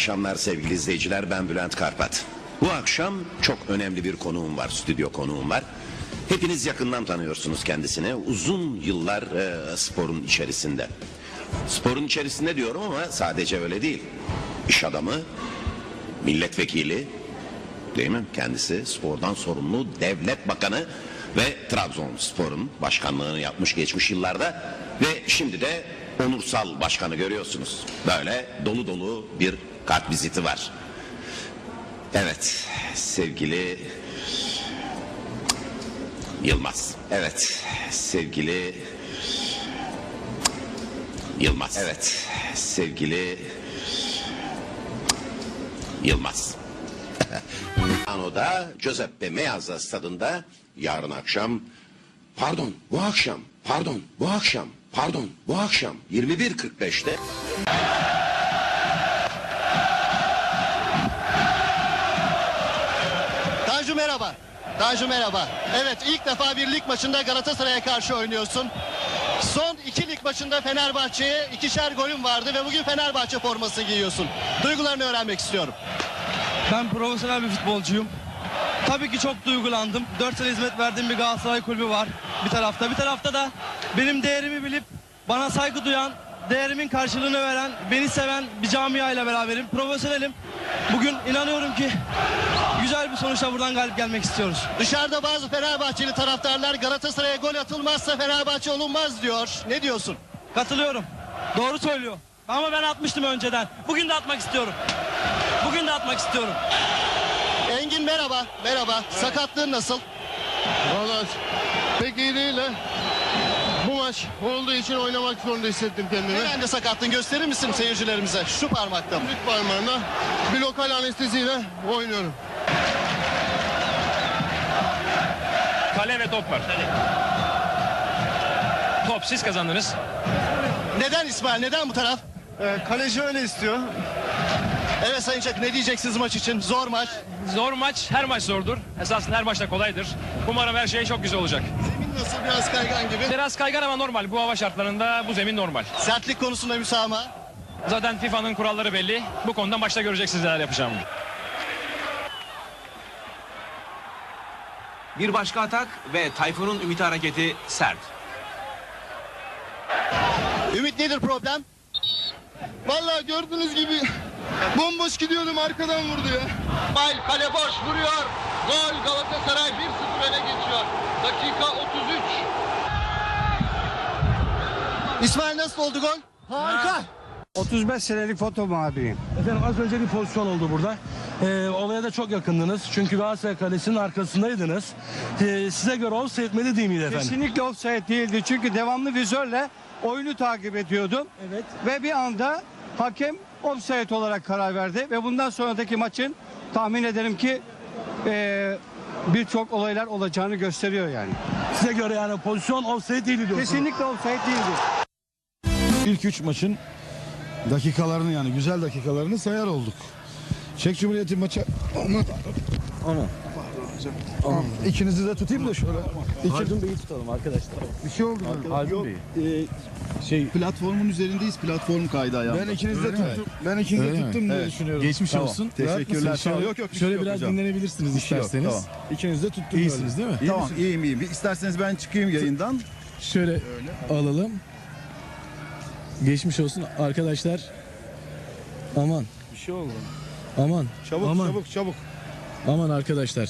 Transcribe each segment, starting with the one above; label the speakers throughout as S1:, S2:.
S1: akşamlar sevgili izleyiciler, ben Bülent Karpat. Bu akşam çok önemli bir konuğum var, stüdyo konuğum var. Hepiniz yakından tanıyorsunuz kendisini. Uzun yıllar sporun içerisinde. Sporun içerisinde diyorum ama sadece öyle değil. İş adamı, milletvekili, değil mi? Kendisi spordan sorumlu devlet bakanı ve Trabzonspor'un başkanlığını yapmış geçmiş yıllarda ve şimdi de onursal başkanı görüyorsunuz. Böyle dolu dolu bir kart viziti var. Evet, sevgili Yılmaz. Evet, sevgili Yılmaz. Evet, sevgili Yılmaz. Milano'da Giuseppe Meazza stadında yarın akşam, bu akşam 21.45'te
S2: Tanju merhaba. Tanju merhaba. Evet, ilk defa bir lig maçında Galatasaray'a karşı oynuyorsun. Son iki lig maçında Fenerbahçe'ye 2'şer golün vardı ve bugün Fenerbahçe forması giyiyorsun. Duygularını öğrenmek istiyorum.
S3: Ben profesyonel bir futbolcuyum. Tabii ki çok duygulandım. 4 sene hizmet verdiğim bir Galatasaray kulübü var bir tarafta. Bir tarafta da benim değerimi bilip bana saygı duyan, değerimin karşılığını veren, beni seven bir camiayla beraberim. Profesyonelim. Bugün inanıyorum ki güzel bir sonuçla buradan galip gelmek istiyoruz.
S2: Dışarıda bazı Fenerbahçeli taraftarlar Galatasaray'a gol atılmazsa Fenerbahçe olunmaz diyor. Ne diyorsun?
S3: Katılıyorum. Doğru söylüyor. Ama ben atmıştım önceden. Bugün de atmak istiyorum.
S2: Engin merhaba. Merhaba. Sakatlığın nasıl?
S4: Vallahi pek iyi değil ha. Bu maç olduğu için oynamak zorunda hissettim kendimi.
S2: Nerede sakatlığın, gösterir misin seyircilerimize? Şu parmakta mı?
S4: Büyük parmağımda bir lokal anesteziyle oynuyorum.
S5: Kale ve top var. Top siz kazandınız.
S2: Neden İsmail? Neden bu taraf?
S4: Kaleci öyle istiyor.
S2: Evet Sayın Çak, ne diyeceksiniz maç için? Zor maç.
S5: Zor maç, her maç zordur. Esasında her maç da kolaydır. Umarım her şey çok güzel olacak.
S2: Zemin nasıl? Biraz kaygan gibi.
S5: Biraz kaygan ama normal. Bu hava şartlarında bu zemin normal.
S2: Sertlik konusunda müsamaha.
S5: Zaten FIFA'nın kuralları belli. Bu konuda maçta göreceksiniz neler yapacağımı.
S6: Bir başka atak ve Tayfun'un ümit hareketi sert.
S2: Ümit, nedir problem?
S4: Vallahi gördüğünüz gibi bomboş gidiyordum, arkadan vurdu ya.
S7: İsmail kale boş vuruyor. Gol, Galatasaray 1-0 öne geçiyor. Dakika 33.
S2: İsmail nasıl oldu gol?
S4: Harika.
S8: 35 senelik foto muhabiriyim.
S3: Efendim az önce bir pozisyon oldu burada. Olaya da çok yakındınız. Çünkü Galatasaray Kalesi'nin arkasındaydınız. Size göre offside mi değil miydi efendim?
S8: Kesinlikle offside değildi çünkü devamlı vizörle oyunu takip ediyordum.
S3: Evet.
S8: Ve bir anda hakem offside olarak karar verdi ve bundan sonraki maçın tahmin ederim ki birçok olaylar olacağını gösteriyor yani.
S3: Size göre yani pozisyon offside değildi diyorsunuz.
S8: Kesinlikle offside değildi.
S9: İlk 3 maçın dakikalarını, yani güzel dakikalarını sayar olduk. Çek Cumhuriyeti maçı... Aman. İkinizi de tutayım da şöyle.
S3: Haldun Bey'i tutalım arkadaşlar.
S9: Bir şey oldu mu?
S3: Haldun Bey.
S10: Platformun üzerindeyiz. Platform kaydı ayağımda.
S9: Ben ikinizi de tuttum. Ben ikinizi de tuttum diye düşünüyorum.
S10: Geçmiş olsun. Teşekkürler. Sağ ol. Yok bir şey
S9: Şöyle
S10: yok
S9: biraz
S10: hocam.
S9: dinlenebilirsiniz
S10: Bir şey yok,
S9: isterseniz.
S10: tamam.
S9: İkiniz de tuttum.
S10: İyisiniz değil mi? Tamam, iyiyim. İsterseniz ben çıkayım yayından.
S9: Şöyle alalım. Geçmiş olsun arkadaşlar. Aman.
S10: Bir şey oldu.
S9: Aman.
S10: Çabuk.
S9: Aman arkadaşlar.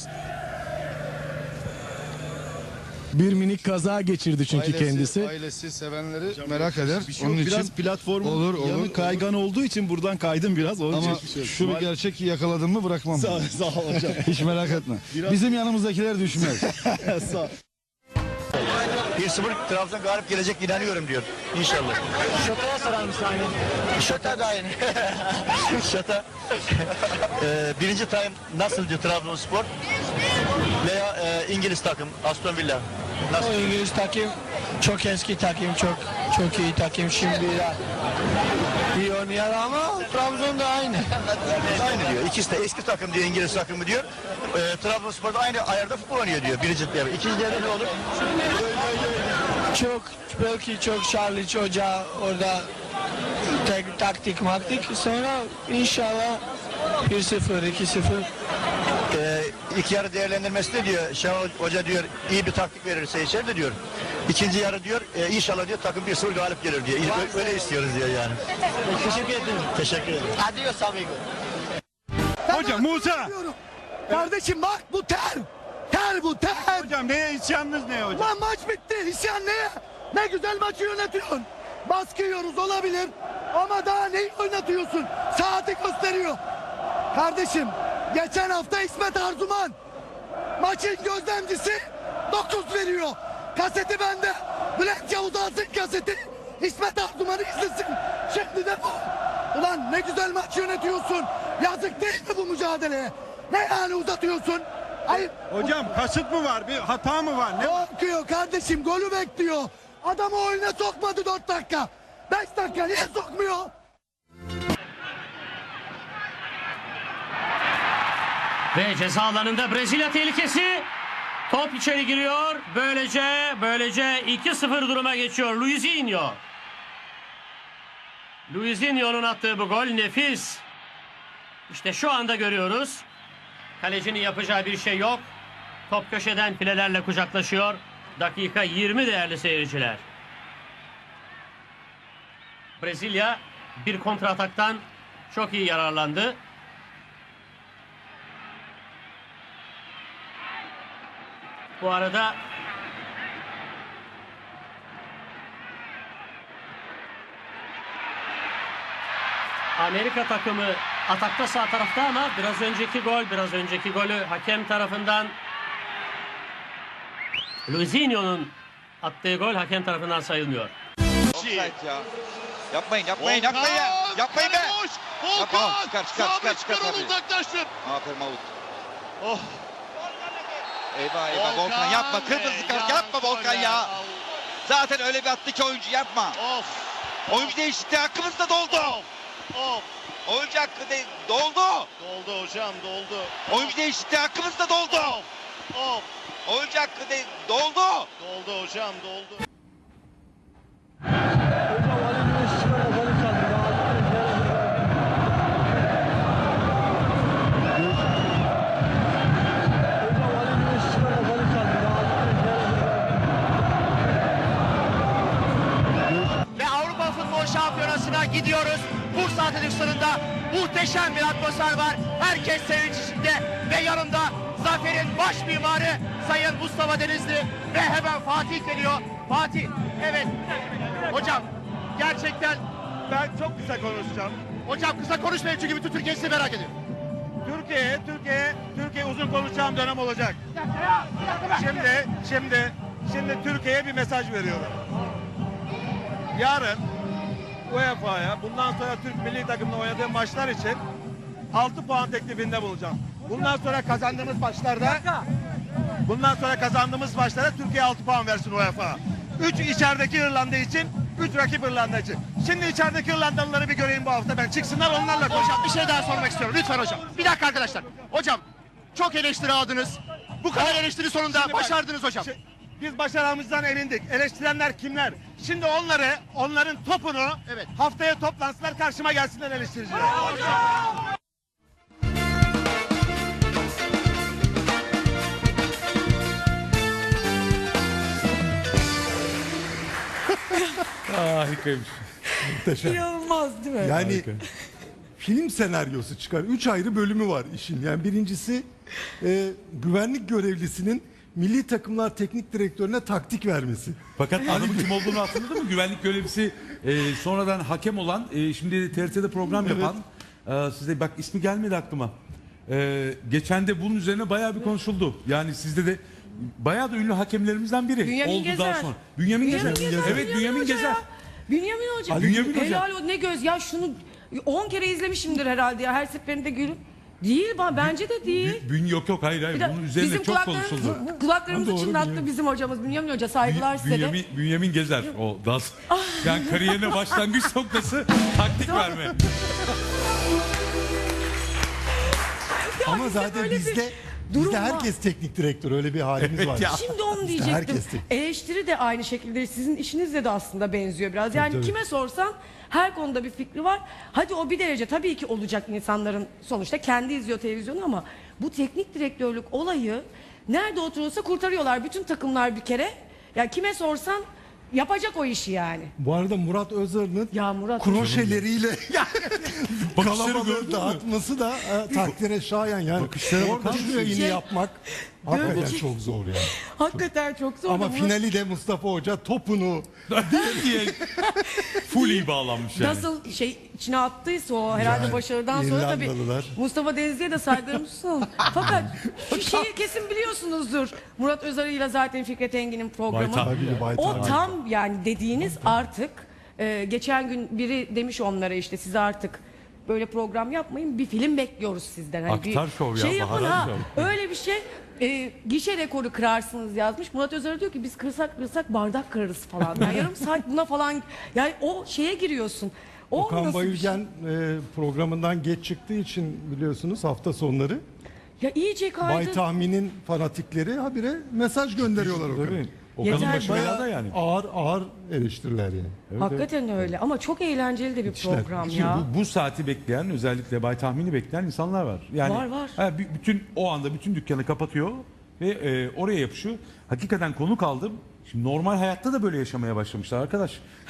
S9: Bir minik kaza geçirdi çünkü kendisi.
S10: Ailesi, sevenleri merak eder.
S9: Bir şey
S10: Onun
S9: yok,
S10: için
S9: biraz
S10: platformun
S9: olur.
S10: yanı kaygan olduğu için buradan kaydım biraz. Onun
S9: Ama
S10: için
S9: şu bir gerçek ki yakaladım mı bırakmam.
S10: Sağ ol hocam.
S9: Hiç merak etme. Bizim yanımızdakiler düşmez.
S10: Sağ ol.
S7: 1-0 Trabzon galip gelecek inanıyorum diyor. İnşallah.
S3: Şota'ya sorar mısın aynı?
S7: Şota da aynı. Şota. Birinci time nasıl diyor Trabzonspor? Veya İngiliz takım Aston Villa. Nasıl?
S3: O İngiliz takım çok eski takım, çok iyi takım. Şimdi de iyi oynuyor ama Trabzon da aynı.
S7: Aynı diyor. İkisi de eski takım diyor, İngiliz takımı diyor. Trabzonspor da aynı ayarda futbol oynuyor diyor. Birinci devre. İkinci devre ne olur?
S3: Çok belki çok Charlie Hoca orada taktik maktik. Sonra inşallah 1-0, 2-0.
S7: İlk yarı değerlendirmesi de diyor. Şenol Hoca diyor iyi bir taktik verirse içeride diyor. İkinci yarı diyor inşallah diyor takım 1-0 galip gelir diyor. Öyle istiyoruz diyor yani.
S3: Teşekkür ederim.
S7: Teşekkür ederim.
S3: Adios amigo.
S9: Hocam Musa.
S8: Kardeşim bak bu ter. Ter bu ter.
S9: Hocam neye isyanınız ne hocam?
S8: Lan maç bitti. İsyan neye? Ne güzel maçı yönetiyorsun. Baskı yiyoruz olabilir. Ama daha neyi oynatıyorsun? Saati gösteriyor. Kardeşim geçen hafta İsmet Arzuman maçın gözlemcisi 9 veriyor. Kaseti bende. Bülent Yavuz alsın kaseti. İsmet Arzuman'ı izlesin. Şimdi de bu. Ulan ne güzel maç yönetiyorsun. Yazık değil mi bu mücadeleye? Ne yani uzatıyorsun? Hayır.
S9: Hocam kasıt mı var? Bir hata mı var? Ne?
S8: Korkuyor kardeşim, golü bekliyor. Adamı oyuna sokmadı 4 dakika. 5 dakika niye sokmuyor?
S11: Ve ceza alanında Brezilya tehlikesi. Top içeri giriyor. Böylece 2-0 duruma geçiyor Luizinho. Luizinho'nun attığı bu gol nefis. İşte şu anda görüyoruz. Kalecinin yapacağı bir şey yok. Top köşeden filelerle kucaklaşıyor. Dakika 20 değerli seyirciler. Brezilya bir kontrataktan çok iyi yararlandı. Bu arada Amerika takımı atakta sağ tarafta ama biraz önceki golü hakem tarafından Luizinho'nun attığı gol hakem tarafından sayılmıyor.
S12: Offside ya. Yapmayın ya. Yapmayın be.
S4: Volkan.
S12: Çıkar
S4: Sabit
S12: tabii.
S4: onu uzaklaştır.
S12: Aferin Mahmut.
S4: Oh.
S12: Eyvah Volkan yapma. Kırmızı kart yapma Volkan ya. Zaten öyle bir attı ki oyuncu yapma.
S4: Of.
S12: Oyuncu değişikliği hakkımız da doldu.
S4: Of.
S12: Oyuncu hakkı doldu.
S4: Doldu hocam doldu.
S12: Oyuncu değişikliği hakkımız da doldu.
S4: Of.
S12: Oyuncu hakkı doldu.
S4: Doldu hocam doldu.
S3: Ve Avrupa Futbol Şampiyonası'na gidiyoruz. Bursa Atletiko'nda muhteşem bir atmosfer var. Herkes sevinç içinde ve yanında zaferin baş mimarı Sayın Mustafa Denizli ve hemen Fatih geliyor. Fatih, evet. Hocam, gerçekten
S9: Ben çok kısa konuşacağım.
S3: hocam kısa konuşmayın çünkü bütün Türkiye sizi merak ediyor.
S9: Türkiye uzun konuşacağım dönem olacak. Şimdi Türkiye'ye bir mesaj veriyorum. Yarın UEFA'ya bundan sonra Türk milli takımla oynadığı maçlar için 6 puan teklifinde bulacağım. Bundan sonra kazandığımız maçlara Türkiye 6 puan versin UEFA. 3 içerideki İrlanda için, 3 rakip İrlanda için. Şimdi içerideki İrlandalıları bir göreyim bu hafta ben. Çıksınlar onlarla konuşalım.
S3: Hocam bir şey daha sormak istiyorum lütfen hocam. Bir dakika arkadaşlar. Hocam çok eleştiri aldınız. Bu kadar eleştiri sonunda
S9: Şimdi bak,
S3: başardınız hocam.
S9: Biz başarımızdan emindik. Eleştirenler kimler? Şimdi onların topunu haftaya toplansınlar karşıma gelsinler eleştiriciler.
S13: Harikaymış. Muhteşem.
S14: İnanılmaz değil mi?
S13: Yani film senaryosu çıkar. 3 ayrı bölümü var işin. Yani birincisi güvenlik görevlisinin milli takımlar teknik direktörüne taktik vermesi.
S15: Fakat adamın kim olduğunu hatırladın mı? Güvenlik görevlisi sonradan hakem olan, şimdi TRT'de program yapan. Size bak ismi gelmedi aklıma. Geçen de bunun üzerine bayağı bir konuşuldu. Yani sizde de bayağı da ünlü hakemlerimizden biri
S14: Bünyamin
S15: oldu
S14: Gezer.
S15: daha sonra. Bünyamin Gezer. Evet Bünyamin Gezer.
S14: Bünyamin Hoca.
S15: Bünyamin Hoca.
S14: Helal o ne göz. Ya şunu 10 kere izlemişimdir herhalde ya. Her seferinde gülüm. Değil bence de değil.
S15: Yok hayır.
S14: Bir de
S15: Bunun üzerine
S14: bizim
S15: çok konuşuldu.
S14: kulaklarımızı
S15: Doğru,
S14: çınlattı
S15: Bünyamin.
S14: bizim hocamız. Bünyamin Hoca saygılar size de.
S15: Bünyamin Gezer. O daha yani kariyerine başlangıç noktası taktik verme.
S13: Ama zaten
S14: durum
S13: Bizde
S14: var.
S13: herkes teknik direktör, öyle bir halimiz var.
S14: Şimdi onu
S13: Bizde
S14: diyecektim.
S13: herkes
S14: Eleştiri de aynı şekilde sizin işinizle de aslında benziyor biraz. Yani
S13: tabii.
S14: kime sorsan her konuda bir fikri var. Hadi o bir derece tabii ki olacak, insanların sonuçta kendi izliyor televizyonu, ama bu teknik direktörlük olayı nerede oturursa kurtarıyorlar bütün takımlar bir kere. Yani kime sorsan yapacak o işi yani.
S13: Bu arada Murat Özarı'nın
S14: Murat
S13: kroşeleriyle
S15: Bakışları gördün
S13: kalabalığı
S15: mü?
S13: dağıtması da takdire şayan yani. Orada şu yayını
S14: Şey-
S13: yapmak hakikaten
S14: Görecek.
S13: çok zor yani.
S14: Hakikaten çok zor.
S13: Ama
S14: Murat-
S13: finali de Mustafa Hoca topunu
S15: diye full iyi bağlanmış yani.
S14: Nasıl içine attıysa o herhalde
S13: Yani,
S14: başarıdan sonra tabii
S13: İrlandalılar.
S14: Mustafa Denizli'ye de saygılarımı sunalım. Fakat şu şeyi kesin biliyorsunuzdur. Murat Özarı'yla zaten Fikret Engin'in programı. O tam yani dediğiniz artık geçen gün biri demiş onlara, işte size artık böyle program yapmayın, bir film bekliyoruz sizden. Hani
S15: Aktar
S14: bir
S15: şov ya,
S14: şey yapın
S15: Baharat
S14: ha.
S15: şov.
S14: Öyle bir şey. Gişe rekoru kırarsınız yazmış. Murat Özarı diyor ki biz kırsak bardak kırarız falan. Yani yarım saat buna falan, yani o şeye giriyorsun. O
S13: Okan
S14: nasıl bir
S13: Bayülgen programından geç çıktığı için biliyorsunuz hafta sonları
S14: Ya iyice kaydı.
S13: Bay Tahmin'in fanatikleri habire mesaj gönderiyorlar Okan'a.
S15: Okan'ın
S14: Yeter.
S15: başı
S13: Bayağı
S15: belada yani.
S13: ağır eleştiriler yani.
S14: Hakikaten öyle, ama çok eğlenceli de bir program
S15: Şimdi
S14: ya.
S15: bu saati bekleyen, özellikle Bay Tahmin'i bekleyen insanlar var. Yani
S14: Var.
S15: bütün o anda bütün dükkanı kapatıyor ve oraya yapışıyor. Hakikaten konuk aldım. Şimdi normal hayatta da böyle yaşamaya başlamışlar arkadaş.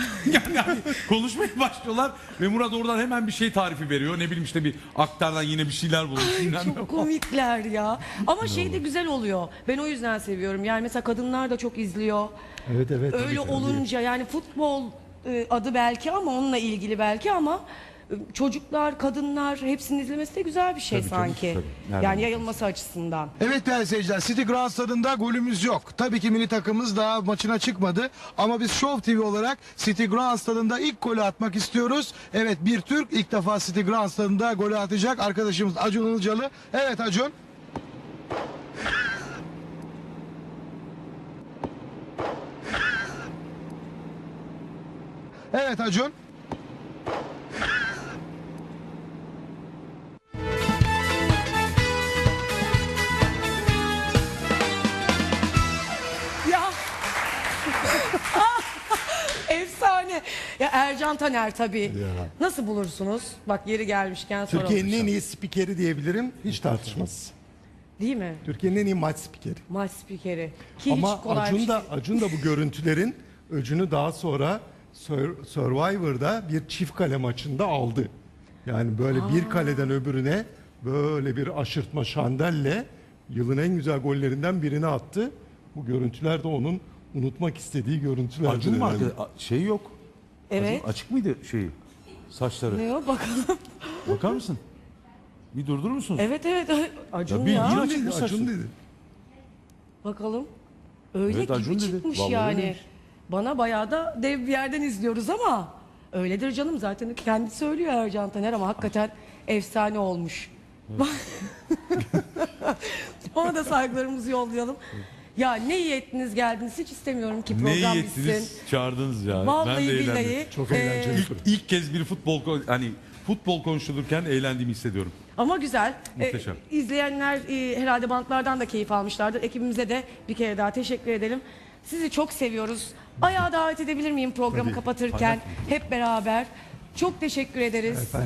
S15: yani konuşmaya başlıyorlar ve Murat oradan hemen bir şey tarifi veriyor. Ne bileyim işte bir aktardan yine bir şeyler buluyor.
S14: Çok komikler ya. Ama şey de güzel oluyor. Ben o yüzden seviyorum. Yani mesela kadınlar da çok izliyor.
S13: Evet.
S14: Öyle olunca yani futbol adı belki, ama onunla ilgili belki, ama çocuklar, kadınlar hepsinin izlemesi de güzel bir şey
S15: Tabii canım,
S14: sanki.
S15: tabii. Nereden
S14: Yani yayılması açısından.
S16: Evet değerli seyirciler, City Ground Stadı'nda golümüz yok. Tabii ki milli takımımız daha maçına çıkmadı. Ama biz Show TV olarak City Ground Stadı'nda ilk golü atmak istiyoruz. Evet, bir Türk ilk defa City Ground Stadı'nda golü atacak. Arkadaşımız Acun Ilıcalı. Evet Acun. Evet Acun.
S14: Ya. Efsane. Ya Ercan Taner tabii. Nasıl bulursunuz? Bak yeri gelmişken soralım.
S13: Türkiye'nin en iyi spikeri diyebilirim. Hiç tartışmasız.
S14: Değil mi?
S13: Türkiye'nin en iyi maç spikeri.
S14: Maç spikeri. Ki
S13: Ama
S14: hiç kolay bir şey.
S13: Acun da bu görüntülerin öcünü daha sonra Survivor'da bir çift kale maçında aldı. Yani böyle bir kaleden öbürüne böyle bir aşırtma şandelle yılın en güzel gollerinden birini attı. Bu görüntüler de onun unutmak istediği görüntüler.
S15: Acun mu arkada? Şey yok.
S14: Evet.
S15: Acun, açık mıydı şeyi? Saçları.
S14: Ne o bakalım.
S15: Bakar mısın? Bir durdurur musunuz?
S14: Evet. Acun
S15: Ya
S14: ya.
S15: bildiğin açık bir saçlı.
S13: Acun dedi.
S14: Bakalım. Öyle
S15: Evet,
S14: gibi
S15: Acun dedi.
S14: çıkmış
S15: Vallahi
S14: yani.
S15: öyleymiş.
S14: Bana bayağı da dev bir yerden izliyoruz ama öyledir canım, zaten kendi söylüyor Ercan Taner, ama hakikaten efsane olmuş. Ona da saygılarımızı yollayalım. Ya ne iyi ettiniz geldiniz, hiç istemiyorum ki
S15: Ne
S14: program
S15: iyi
S14: bitsin.
S15: ettiniz, çağırdınız ya.
S14: Vallahi
S15: ben de
S14: billahi.
S15: eğlendim.
S13: Çok eğlenceli.
S15: İlk kez bir futbol konuşulurken eğlendiğimi hissediyorum.
S14: Ama güzel.
S15: Muhteşem.
S14: İzleyenler herhalde bantlardan da keyif almışlardır. Ekibimize de bir kere daha teşekkür edelim. Sizi çok seviyoruz. Ayağa davet edebilir miyim programı kapatırken? Hep beraber. Çok teşekkür ederiz.